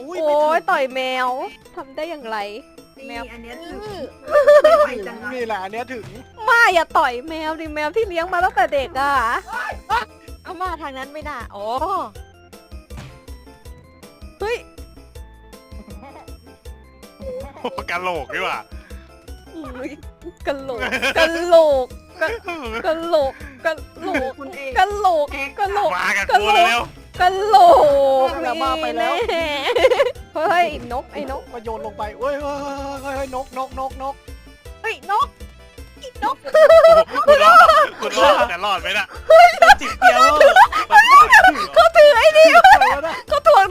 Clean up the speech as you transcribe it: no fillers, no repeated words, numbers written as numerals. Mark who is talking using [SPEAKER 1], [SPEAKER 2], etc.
[SPEAKER 1] อุ้ย
[SPEAKER 2] โอ้
[SPEAKER 1] ไม่ถึง
[SPEAKER 2] ยต่อยแมวทำได้อย่างไร แม
[SPEAKER 3] นี่
[SPEAKER 2] ว
[SPEAKER 3] อันเนี้ยถึง
[SPEAKER 1] ไม่
[SPEAKER 3] ไม่ไหว
[SPEAKER 1] ถึง
[SPEAKER 3] จัง
[SPEAKER 1] นี่แหละอันเนี้ยถึง
[SPEAKER 2] มาอย่าต่อยแมวดิแมวที่เลี้ยงมาตั้งแต่เด็กอ่ะ
[SPEAKER 4] เอามาทางนั้นไม่ได้โอ้
[SPEAKER 2] เฮ้ย
[SPEAKER 5] โอ้กะโหลกดีกว่า
[SPEAKER 2] อุ๊ยกะโหลกกะโหลกกะโหลกกะโหลก
[SPEAKER 3] คุณเอก
[SPEAKER 2] กะโหลกกะโหลก
[SPEAKER 5] มากับกูเร็ว
[SPEAKER 2] กะโหลก
[SPEAKER 1] อย่ามาไปแล้ว
[SPEAKER 2] แน่เฮ้ยนกไอ้นก
[SPEAKER 1] มาโยนลงไปเฮ้ยเฮ้ยเฮ้ยเฮ้ยนก
[SPEAKER 2] เฮ้ยนกนก
[SPEAKER 5] ๆคุณรอดแต่รอดไหมน่ะ
[SPEAKER 1] จิบเดียว
[SPEAKER 2] เขาถือไอ้นี่
[SPEAKER 1] อะไรวะเนี่ย
[SPEAKER 2] เขาถ่วง